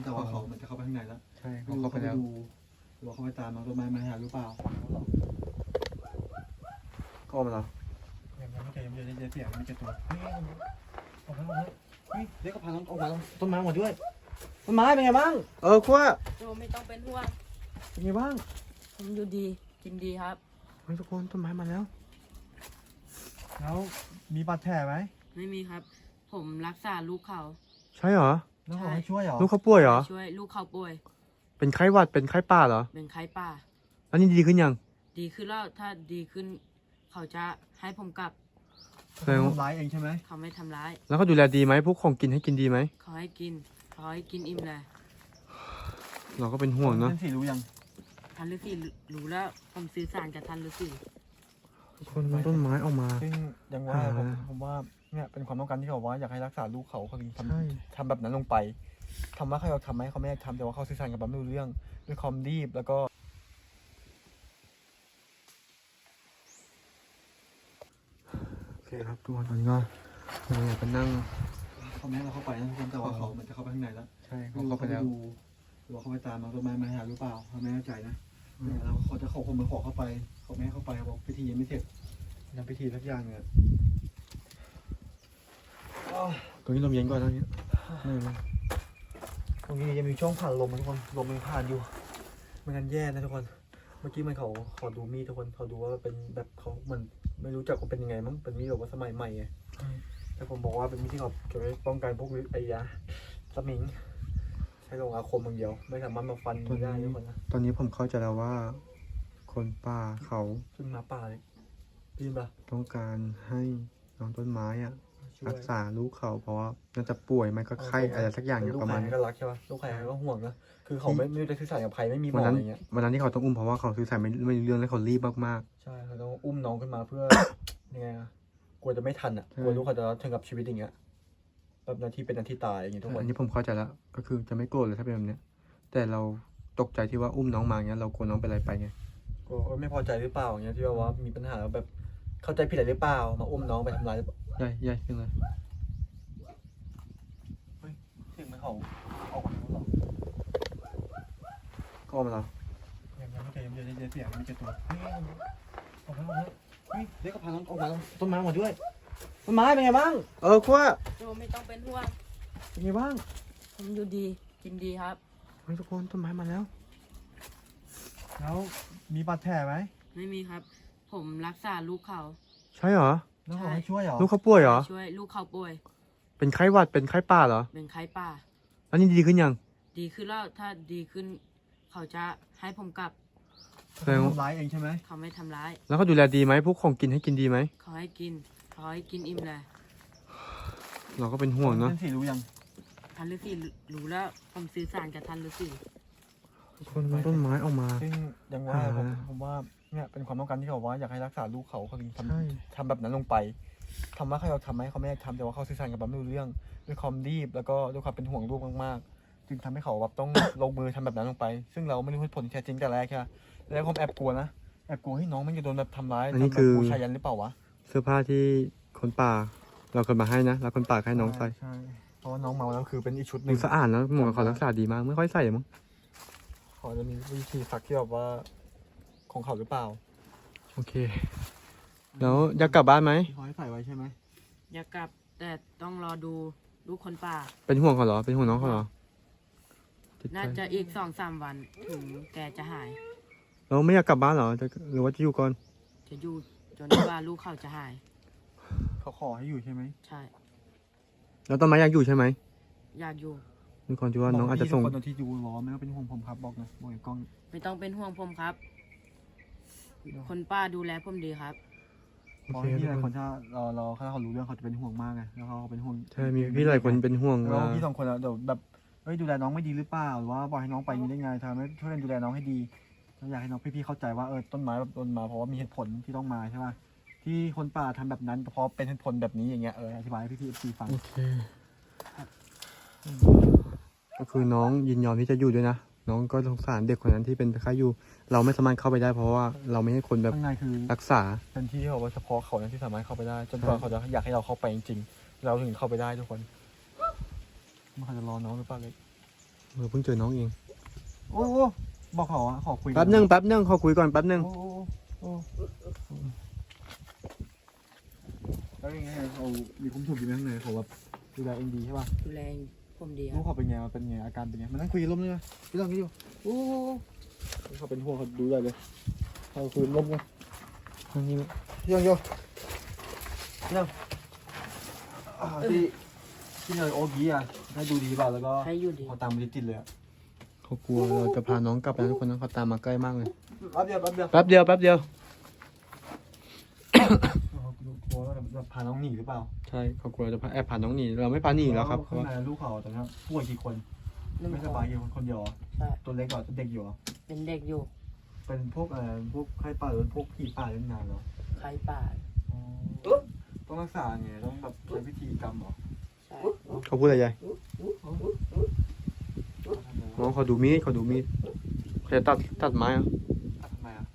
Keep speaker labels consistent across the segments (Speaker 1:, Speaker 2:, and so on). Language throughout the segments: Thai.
Speaker 1: แต่ว่าเขามันจะเข้าไปข้างในแล้ว
Speaker 2: ใช่เขาเข้าไปแล้ว
Speaker 1: ดูหรือว่าเขาไปตามน้องต้นไม้มาหาหรือเปล่า
Speaker 2: ก็ออกมาแล้ว
Speaker 1: ยังไม่เจอเสียงไม่เจอตัวออกมาเด็กก็พาน้องออกมาต้นไม้หมดด้วยต้นไม้เป็นไงบ้างขั้ว
Speaker 3: โจไม่ต้องเป็นห่วง
Speaker 1: เป็นไงบ้าง
Speaker 3: ผมอยู่ดีกินดีครับ
Speaker 1: ทุกคนต้นไม้มาแล้วมีบาดแผลไหม
Speaker 3: ไม่มีครับ ผมรักษาลูกเขา
Speaker 2: ใช่เหรอ
Speaker 1: แล้วเขาให้ช่วยเหรอ
Speaker 2: ลูกเขาป่วยเหรอ
Speaker 3: ช่วยลูกเขาป่วย
Speaker 2: เป็นไข้หวัดเป็นไข้ป่าเหรอ
Speaker 3: เป็นไข้ป่า
Speaker 2: อันนี้ดีขึ้นยัง
Speaker 3: ดีขึ้นแล้วถ้าดีขึ้น เขาจะให้ผมกลับ
Speaker 1: เขาทำร้ายเองใช่ไหม
Speaker 3: เขาไม่ทำร้าย
Speaker 2: แล้วเขาดูแลดีไหมพวกของกินให้กินดีไหม
Speaker 3: เขาให้กินอิ่มเลย
Speaker 2: เราก็เป็นห่วงเนาะ
Speaker 1: ท่านสี่รู้ยัง
Speaker 3: ท่านฤาษีรู้แล้วผมสื่อสารกับท่านฤาษี
Speaker 2: คนมันต้นไม้ออกมา
Speaker 1: ซึ่งยังว่าผมว่าเนี่ยเป็นความต้องการที่เขาว่าอยากให้รักษาลูกเขาถึงทำแบบนั้นลงไปทำว่าเขาอยากทำไหมเขาไม่อยากทำแต่ว่าเขาสื่อสารกับเราไม่รู้เรื่องด้วยความรีบแล้วก็
Speaker 2: โอเคครับทุกคนตอนนี้ก็เราอยากไปนั่ง
Speaker 1: เขาแม้เราเข้าไปนะทุกคนแต่ว่าเขามันจะเข้าไปข้างในแล้ว
Speaker 2: ใช่เขาเข้าไปแล้ว
Speaker 1: หรือว่าเขาไปตามน้องต้นไม้มาหาหรือเปล่าเขาไม่แน่ใจนะแล้วเขาจะคนมาขอเข้าไปเขาไม่ให้เข้าไปบอกพิธียังไม่เสร็จทำพิธีสักอย่างเนี่ย
Speaker 2: ตรงนี้ลมเย็นกว่าตรงนี้
Speaker 1: ตรงนี้ยังมีช่องผ่านลมทุกคนลมมันผ่านอยู่ไม่งั้นแย่นะทุกคนเมื่อกี้มันเขาขอดูมีดทุกคนเขาดูว่าเป็นแบบเขาเหมือนไม่รู้จักว่าเป็นยังไงมั้งเป็นมีดแบบว่าสมัยใหม่ไงแต่ผมบอกว่าเป็นมีดที่เขาจะป้องกันพวกไอ้ยาสมิงใช้ลงอาคมอย่างเดียวไม่สามารถมาฟันได้ทุกคนนะ
Speaker 2: ตอนนี้ผมเข้าใจแล้วว่าคนป่าเขา
Speaker 1: ขึ้นมาป่าเลยได้ยินปะ
Speaker 2: ต้องการให้น้องต้นไม้อะรักษาลูกเขาเพราะว่าน่าจะป่วยไม่ก็ไข้อะไรสักอย่างอยู่ประมาณ
Speaker 1: นี้ก็รักใช่ปะลูกใครก็ห่วงนะคือเขาไม่ได้สื่อสารกับใครไม่มีหมออะไรเงี้ย
Speaker 2: วันนั้นที่เขาต้องอุ้มเพราะว่าเขาสื่อสารไม่เรื่องแล้วเขารีบมาก
Speaker 1: ๆใช่เขาต้องอุ้มน้องขึ้นมาเพื่อยังไงอะกลัวจะไม่ทันอ่ะกลัวลูกเขาจะถึงกับชีวิตอย่างเงี้ยแบบนาทีเป็นนาทีตายอย่างเงี้ยทุกคน
Speaker 2: อันนี้ผมเข้าใจแล้วก็คือจะไม่โกรธเลยถ้าเป็นแบบนี้แต่เราตกใจที่ว่าอุ้มน้องมาเงี้ยเรากลัวน้องเป็นอะไรไปไง
Speaker 1: ก็ไม่พอใจหรือเปล่าอย่างเงี้ยที่ว่ามีปัญหาแบบเข้าใจผิดอะไรหรือเปล่ามาอุ้มน้องไปทำร้าย
Speaker 2: ใหญ่ขึ้นเลย
Speaker 1: เสียงมันเขาออกมาแล้วหรอ
Speaker 2: ก็ออกมาแล้ว
Speaker 1: ยังไม่เจอเสียงไม่เจอตัวออกมาเด็กก็พาน้องออกมาต้นไม้หมดด้วยต้นไม้เป็นไงบ้าง
Speaker 2: ขั้ว
Speaker 3: โจไม่ต้องเป็นห่วง
Speaker 1: เป็นไงบ้าง
Speaker 3: ผมอยู่ดีกินดีครับ
Speaker 2: ทุกคนต้นไม้มาแล้ว
Speaker 1: มีบาดแผลไหม
Speaker 3: ไม่มีครับ ผมรักษาลูกเขา
Speaker 2: ใช่เหรอ
Speaker 1: แล้วเขาให้ช่วยเหรอ
Speaker 2: ลูกเขาป่วยเหรอ
Speaker 3: ช่วยลูกเขาป่วย
Speaker 2: เป็นไข้หวัดเป็นไข้ป่าเหรอ
Speaker 3: เป็นไข้ป่า
Speaker 2: อันนี้ดีขึ้นยัง
Speaker 3: ดีขึ้นแล้วถ้าดีขึ้น เขาจะให้ผมกลับ
Speaker 1: เขาทำร้ายเองใช่ไหม
Speaker 3: เขาไม่ทำร้าย
Speaker 2: แล้วเขาดูแลดีไหมพวกของกินให้กินดีไหม
Speaker 3: เขาให้กินอิ่มเลย
Speaker 2: เราก็เป็นห่วงเนาะ
Speaker 1: ท่านสี่รู้ยัง
Speaker 3: ท่านฤาษีรู้แล้วผมสื่อสารกับท่านฤาษี
Speaker 2: คนมันต้นไม้ออกมา
Speaker 1: ซึ่งยังว่าผมว่าเนี่ยเป็นความต้องการที่เขาว่าอยากให้รักษาลูกเขาถึงทำแบบนั้นลงไปทำว่าเขาอยากทำไหมเขาไม่อยากทำแต่ว่าเขาสื่อสารกับเราไม่รู้เรื่องด้วยความรีบแล้วก็ด้วยความเป็นห่วงลูกมากๆจึงทำให้เขาแบบต้อง ลงมือทำแบบนั้นลงไปซึ่งเราไม่รู้ผลที่แท้จริงแต่แรกใช่ไหมแล้วผมแอบกลัวนะแอบกลัวให้น้องมันจะโดนแบบทำร้าย
Speaker 2: อันนี้คือ
Speaker 1: บูชายันหรือเปล่าวะ
Speaker 2: เสื้อผ้าที่คนป่าเราเคยมาให้นะแล้วคนป่าให้น้องใส่
Speaker 1: ใช่เพราะว่าน้องเมาแล้วคือเป็นอีกชุดห
Speaker 2: นึ่งสะอาดแล้วหมอเขารักษาดีมากไม่ค่อยใส่มั้ง
Speaker 1: เขาจะมีวิธีซักที่แบบว่าของเขาหรือเปล่า
Speaker 2: โอเคแล้วอยากกลับบ้านไหม
Speaker 1: เขาให้ใส่ไว้ใช่ไหม
Speaker 3: อยากกลับแต่ต้องรอดูลูกคนป่า
Speaker 2: เป็นห่วงเขาเหรอเป็นห่วงน้องเขาเหรอ
Speaker 3: น่าจะอีก2-3 วันถึงแกจะหาย
Speaker 2: เราไม่อยากกลับบ้านเหรอหรือว่าจะอยู่ก่อน
Speaker 3: จะอยู่จนว่าลูกเขาจะหาย
Speaker 1: เขาขอให้อยู่ใช่ไหม
Speaker 3: ใช่
Speaker 2: แล้วต้นไม้อยากอยู่ใช่ไหม
Speaker 3: อยากอยู่
Speaker 2: มีคนที่ว่าน้องอาจจะส่ง
Speaker 1: คนที่ดูบอกไม่ต้องเป็นห่วงผมครับบอกนะบอกกล้อง
Speaker 3: ไม่ต้องเป็นห่วงผมครับคนป้าดูแลผมดีครับ
Speaker 1: เพราะพี่หลายคนถ้าเขารู้เรื่องเขาจะเป็นห่วงมากไงแล้วเขาเป็นห่วง
Speaker 2: ใช่มีพี่หลายคนเป็นห่วง
Speaker 1: แล้วพี่2 คนเดี๋ยวแบบดูแลน้องไม่ดีหรือเปล่าหรือว่าบอกให้น้องไปนี้ได้ไงทำให้ช่วยดูแลน้องให้ดีเราอยากให้น้องพี่ๆเข้าใจว่าต้นไม้แบบต้นมาเพราะว่ามีเหตุผลที่ต้องมาใช่ไหมที่คนป่าทำแบบนั้นเพราะเป็นเหตุผลแบบนี้อย่างเงี้ยอธิบายให้พี่ฟัง
Speaker 2: โอเคก็คือน้องยินยอมที่จะอยู่ด้วยนะน้องก็สงสารเด็กคนนั้นที่เป็นไข้อยู่เราไม่สามารถเข้าไปได้เพราะว่าเราไม่ให้คนแบบ
Speaker 1: ข้างในคือ
Speaker 2: รักษา
Speaker 1: เป็นที่เขาว่าเฉพาะเขาที่สามารถเข้าไปได้จนกว่าเขาจะอยากให้เราเข้าไปจริงๆเราถึงเข้าไปได้ทุกคนมันเขาจะรอน้องหรือเปล่าเลย
Speaker 2: เราเพิ่งเจอน้องเอง
Speaker 1: โอ้บอกเขาอะขอคุย
Speaker 2: แป๊บนึงขอคุยก่อนแป๊บนึง
Speaker 1: โอ้โอ้แล้วยังไงเขามีคุ้มถูกอยู่ข้างในเขาแบบดูแลเองดีใช่ป่ะ
Speaker 3: ดูแลผมดีค
Speaker 1: ลู
Speaker 3: รั
Speaker 1: ก
Speaker 3: บ
Speaker 1: เขาเป็นไงมันเป็นไงอาการเป็นไงมันนั่งคุยร่มเลยไหมพี่ลองคิดดูโอ้เขาเป็นห่วงเขาดูได้เลยเขาคุยร่มกัน
Speaker 2: ทางนี้
Speaker 1: พี่ลองโยพี่ลองที่เลยโอ๊กี้อ่ะให้ดูดีป่ะแล้วก็
Speaker 3: ให้อยู่ดี
Speaker 1: เขาตามมาติดเลยอ่ะ
Speaker 2: เขากลัวเราจะพาน้องกลับไปทุกคนนะเขาตามมาใกล้มากเลย
Speaker 1: แป๊บเดียว
Speaker 2: แป๊บเดียว
Speaker 1: กลัวว่าจะพาน้องหนีหรือเปล่า
Speaker 2: ใช่เขากลัวจะแอบพาน้องหนีเราไม่พาหนีแล้วครับเพ
Speaker 1: ข้า
Speaker 2: ราะ
Speaker 1: ง
Speaker 2: ว่า
Speaker 1: ในลูกเขาตอนนี้ป่วยกี่คน
Speaker 3: หนึ่ง
Speaker 1: ไม่
Speaker 3: ค
Speaker 1: ส
Speaker 3: น
Speaker 1: บายกี่คนเดียว
Speaker 3: ใช่
Speaker 1: ตัวเล็กกว่าเด็กอยู่
Speaker 3: เป็นเด็กอยู่
Speaker 1: เป็นพวกพวกไข้ป่าหรือพวกผีป่าเล่นงานเหรอ
Speaker 3: ใครป่า
Speaker 1: ต้องรักษาไงต้องแบบใช้พิธีกรรมเหรอ
Speaker 3: ใช่
Speaker 2: เขาพูดอะไรยายน้องเขาดูมีดเขาจะตัดไม้อะ
Speaker 1: ทำไมอ่ะ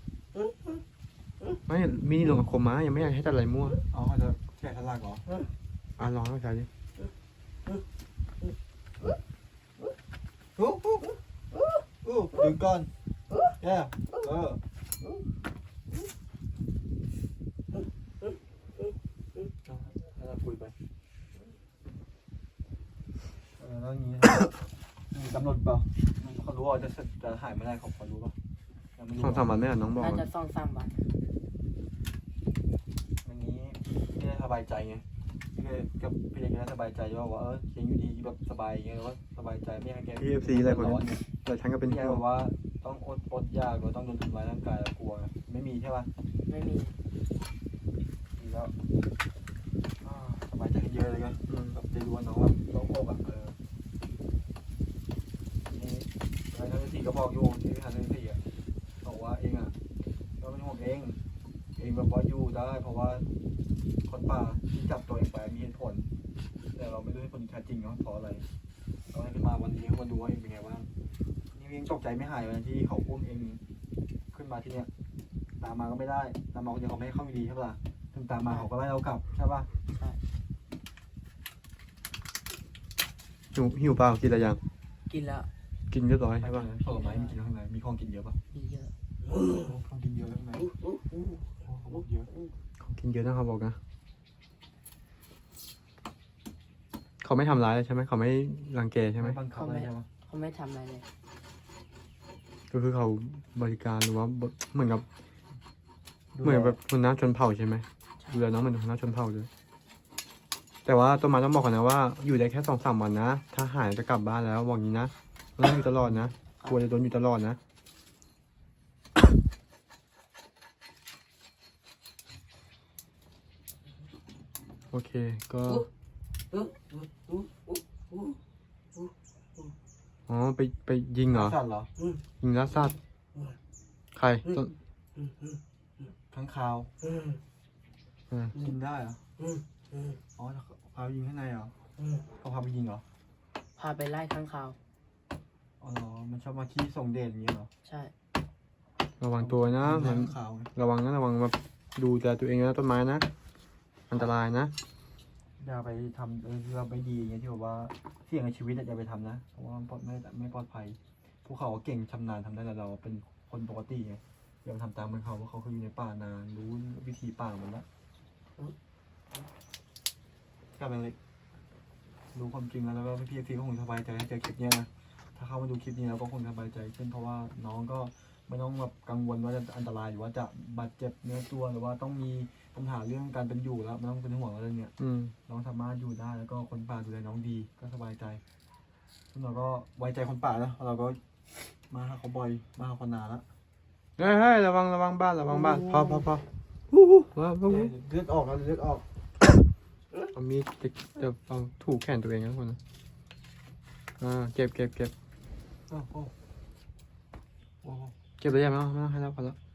Speaker 2: ไม่มีดลงกับคมไม้ยังไม่อยากให้ตัดอะไรมั่ว
Speaker 1: อ๋อเขาจะแกะสลักเหรอ
Speaker 2: ลองเข้าใจดิ
Speaker 1: ดึงก่อนแย่แล้วเราคุยไปแล้วอย่างนี้มีกำหนดเปล่าเขารู้ว่าจะหายไม่ได้เขารู้ป่ะยังไม่รู้
Speaker 2: 2-3 วันไม่อ่ะน้องบอก
Speaker 3: น่าจะ2-3 วัน
Speaker 1: วันนี้พี่ได้สบายใจไงพี่เลยกับพี่เล็กได้สบายใจว่าเคียงอยู่ดีแบบสบายอย่างเงี้ยว่าสบายใจไม่ให้แก
Speaker 2: พี่ FC อะไรคน
Speaker 1: ร้
Speaker 2: นี้
Speaker 1: อนไง
Speaker 2: แต่ฉันก็เป็น
Speaker 1: พี่
Speaker 2: ห่
Speaker 1: แก
Speaker 2: วง
Speaker 1: บอกว่าต้องอดยากหรือต้องโดนทำร้ายร่างกายกลัวไม่มีใช่ป่ะ
Speaker 3: ไม่มี
Speaker 1: ดีแล้วสบายใจขึ้นเยอะเลยกันแบบจะรู้ว่าน้องแบบโล่งอกอ่ะนี่นายทันทีก็บอกอยู่ที่ทันทีอ่ะบอกว่าเองอ่ะก็เป็นห่วงเองแบบว่าอยู่ได้เพราะว่าคนป่าที่จับตัวเองไปมีเหตุผลแต่เราไม่รู้เหตุผลที่แท้จริงเนาะเพราะอะไรเราให้ขึ้นมาวันนี้มาดูว่าเองเป็นไงบ้างนี่ยังตกใจไม่หายวันที่เขาอุ้มเองขึ้นมาที่เนี้ยตามมาก็ไม่ได้ตามมาคนเดียวเขาไม่ให้เข้ามีดีใช่ปะถึงตามมาเขาก็ไล่เรากลับใช่ปะ
Speaker 3: ใช่
Speaker 2: หิวเปล่ากินอะไรยัง
Speaker 3: กินแล้ว
Speaker 2: กินเรียบร้อย
Speaker 1: ใช่
Speaker 2: ใช่
Speaker 1: ปะ
Speaker 2: ป่ะ
Speaker 1: ผลไม้มีกินข้างในมีของกินเยอะปะ
Speaker 3: มีเยอะ
Speaker 1: ของกินเยอะข้างในเขาบอกเยอะ
Speaker 2: ของกินเยอะนะเขาบอกนะเขาไม่ทำร้ายเลยใช่ไหมเขาไม่รังแกใช่ไหม
Speaker 1: บังคับอะไรใช่ปะ
Speaker 3: เขาไม่ทำอะไรเลย
Speaker 2: ก็คือเขาบริการหรือว่าเหมือนกับแบบคนน้าชนเผ่าใช่ไหมดูแลน้องเหมือนคนน้าชนเผ่าเลยแต่ว่าต้นไม้ต้องบอกก่อนนะว่าอยู่ได้แค่2-3 วันนะถ้าหายจะกลับบ้านแล้วบอกงี้นะไม่ต้องอยู่ตลอดนะกลัวจะโดนอยู่ตลอดนะโอเคก็อ๋อไปยิงเหรอ
Speaker 1: สัตว์เหรอ
Speaker 2: ยิงล่าสัตว์ใครต้น
Speaker 1: ข้างคาว
Speaker 2: อ่า
Speaker 1: กินได้เหรออ๋อพาไปยิงข้างในเหรอเขาพาไปยิงเหรอ
Speaker 3: พาไปไล่ข้างคาว
Speaker 1: อ๋อเหรอมันชอบมาที่ส่งเดชอย่างเงี้ยเหรอ
Speaker 3: ใช่
Speaker 2: ระวังตัวนะ
Speaker 1: มั
Speaker 2: มัน น
Speaker 1: ขาวไง
Speaker 2: ระวังนะระวังแบบดูแลตัวเองนะต้นไม้นะอันตรายนะ
Speaker 1: อย่าไปทำเราไม่ดีอย่างเงี้ยที่แบบว่าเสี่ยงในชีวิตอย่าไปทำนะเพราะว่ามันไม่ปลอดภัยพวกเขาเก่งชำนาญทำได้แต่เราเป็นคนปกติไงอย่าไปทำตามเหมือนเขาเพราะเขาเคยอยู่ในป่านานรู้วิธีป่าหมดแล้วกลับไปเลยรู้ความจริงแล้วก็พี่ก็คงสบายใจให้เจอคลิปเนี้ยนะถ้าเข้ามาดูคลิปนี้แล้วก็คงสบายใจขึ้นเพราะว่าน้องก็ไม่ต้องแบบกังวลว่าจะอันตรายหรือว่าจะบาดเจ็บเนื้อตัวหรือว่าต้องมีปัญหาเรื่องการเป็นอยู่แล้วไม่ต้องเป็นห่วงอะไรเนี่ย
Speaker 2: อืม
Speaker 1: น้องสามารถอยู่ได้แล้วก็คนป่าดูแลน้องดีก็สบายใจซึ่งเราก็ไว้ใจคนป่านะเราก็มาหาเขาบ่อยมาหาเขานานแล้ว
Speaker 2: เฮ้ยระวังบ้านพอว้าว
Speaker 1: เลือดออกแล้วเลือดออก
Speaker 2: เอามีดจะเอาถูกแขนตัวเองนะทุกคนนะเก็บ
Speaker 1: โอ้โหโอ้โห
Speaker 2: เก็บเลยยังไม่ต้องให้แล้วพอแล้ว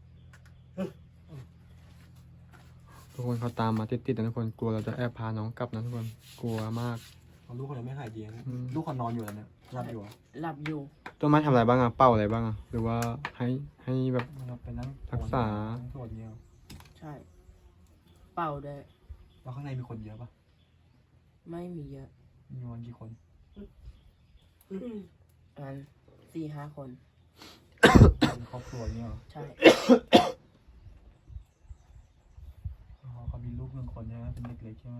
Speaker 2: ทุกคนเขาตามมาติดนะทุกคนกลัวเราจะแอบพาน้องกลับนะทุกคนกลัวมาก
Speaker 1: ลูกคนนี้ไม่หายดีนะ
Speaker 2: อืม
Speaker 1: ลูกเขานอนอยู่แล้วเนี่ยหลับอยู่อะ
Speaker 3: หลับอยู่
Speaker 2: ต้นไม้ทำอะไรบ้างอ่ะเป่าอะไรบ้างอ่ะหรือว่าให้แบบ
Speaker 1: มันไปนั่ง
Speaker 2: รักษา
Speaker 1: นั่งตรวจเงี้ย
Speaker 3: ใช่ เป่าด้วย
Speaker 1: แล้วข้างในมีคนเยอะปะ
Speaker 3: ไม่มีเยอะ
Speaker 1: มีวันกี่คน
Speaker 3: ประมาณ4-5 คน
Speaker 1: เป็นครอบครัวเนี่ยเหรอ
Speaker 3: ใช่
Speaker 1: อ๋อเขามีลูก1 คนใช่ไหมเป็นเด็กเล็กใช่ไหม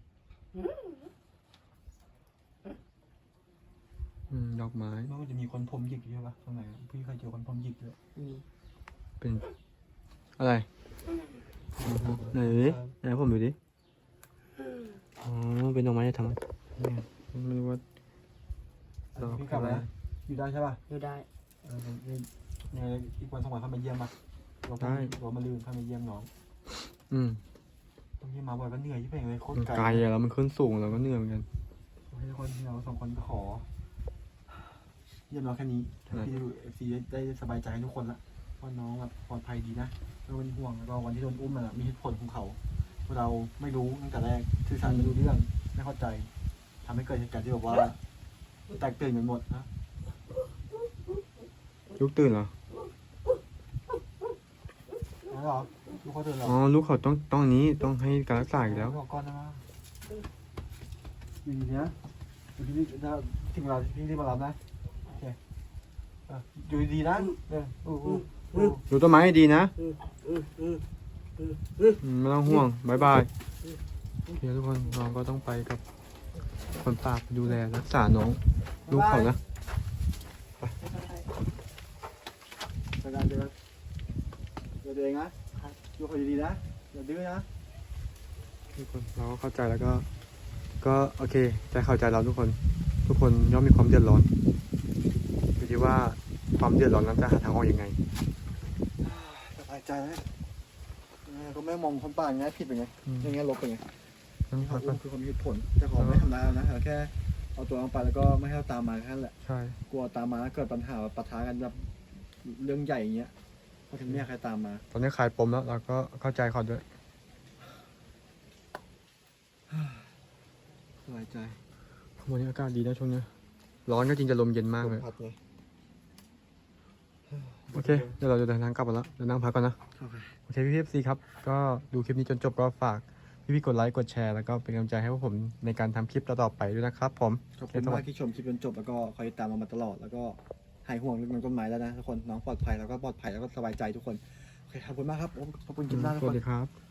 Speaker 2: ดอกไม้
Speaker 1: แล้วมันจะมีคนผมหยิกอยู่ใช่ปะตรงไหนพี่เคยเจอคนผมหยิกด้วย
Speaker 3: มี
Speaker 2: เป็นอะไรไหนดูดิไหนผมดูดิอ๋อเป็นดอกไม้จะทำเนี่ยไม่รู้ว่า
Speaker 1: อันนี้พี่กลับมาอยู่ได้ใช่ปะ
Speaker 3: อยู่ได้
Speaker 1: ยังไงอีกวัน2 วันเข้ามาเยี่ยมปะเรามาลืมเข้ามาเยี่ยมน้อง
Speaker 2: อืม
Speaker 1: ต้องที่มาบ่อยก็เหนื่อยที่เป็นเลยโคต
Speaker 2: มั
Speaker 1: ร
Speaker 2: น
Speaker 1: ไกล
Speaker 2: ไกลอะแล้วมันขึ้นสูงแล้วก็เหนื่อยเหมือนกัน
Speaker 1: ให้ทุกคนที่เรา2 คนก็ขอ เยี่ยมน้องแค่นี้พี่ดูFCได้สบายใจให้ทุกคนละว่าน้องแบบปลอดภัยดีนะไม่เป็นห่วงแล้วก็วันที่โดนอุ้มมันมีเหตุผลของเขาเราไม่รู้ตั้งแต่แรกสื่อสารไม่รู้เรื่องไม่เข้าใจทำให้เกิดเหตุการณ์ที่แบบว่าแตกตื่นกันหมดนะ
Speaker 2: ลูกตื่นเหรอ
Speaker 1: แล้วเหรอลูกเขาตื่นเหรอ
Speaker 2: อ๋อลูกเขาต้องนี้ต้องให้การรักษาอีกแล้ว
Speaker 1: บอกก่อนนะว่าอยู่ดีนะอยู่ดีๆถ้าถึงเวลาพี่ที่มารับนะโอเคอยู่ดีๆนะ
Speaker 2: ดูต้นไม้ให้ดีนะไม่ต้องห่วงบายบายเดี๋ยวทุกคนน้องก็ต้องไปกับคนป่าไปดูแลรักษาน้องลูกเขานะ
Speaker 1: ไปกันเดินเองนะอยู่คนดีๆนะอย่าดื้อนะ
Speaker 2: ทุกคนเราก็เข้าใจแล้วก็โอเคใจเข้าใจเราทุกคนย่อมมีความเดือดร้อนอยู่ที่ว่าความเดือดร้อนนั้นจะหาทางออกยังไง
Speaker 1: สบายใจนะก็ไม่มองคนป่าอย่างนี้ผิดเป็นไงอย่างนี้ลบเป็นไง
Speaker 2: นั่ง
Speaker 1: เขา
Speaker 2: พักก่อน
Speaker 1: คือความมีเหตุผลแต่ขอไม่ทำร้ายเรานะเราแค่เอาตัวลงไปแล้วก็ไม่ให้เราตามมาแค่นั้นแหละ
Speaker 2: ใช่
Speaker 1: กลัวตามมาแล้วเกิดปัญหาปะทะกันแบบเรื่องใหญ่อย่างเงี้ยเพราะถึงไม่อยากใครตามมา
Speaker 2: ตอนนี้คลายปมแล้วเราก็เข้าใจเขาด้วย
Speaker 1: สบายใจ
Speaker 2: วันนี้อากาศดีนะช่วงนี้ร้อนก็จริงจะลมเย็นมากเลย
Speaker 1: พัดไง
Speaker 2: โอเคเดี๋ยวเราจะเดินทางกลับกันแล้วเดี๋ยวนั่งพักก่อนนะ โอเคพี่ๆซีครับ ก็ดูคลิปนี้จนจบก็ฝากพี่ๆกดไลค์กดแชร์แล้วก็เป็นกำลังใจให้พวกผมในการทำคลิปต่อๆไปด้วยนะครับผม
Speaker 1: ขอบคุณมากที่ชมคลิปจนจบแล้วก็คอยติดตามเรามาตลอดแล้วก็หายห่วงเรื่องน้องต้นไม้แล้วนะทุกคนน้องปลอดภัยแล้วก็ปลอดภัยแล้วก็สบายใจทุกคนโอเคขอบคุณมากครับขอบคุณคลิปหน้าทุก
Speaker 2: ส
Speaker 1: ค
Speaker 2: วัส
Speaker 1: น
Speaker 2: ดีครับ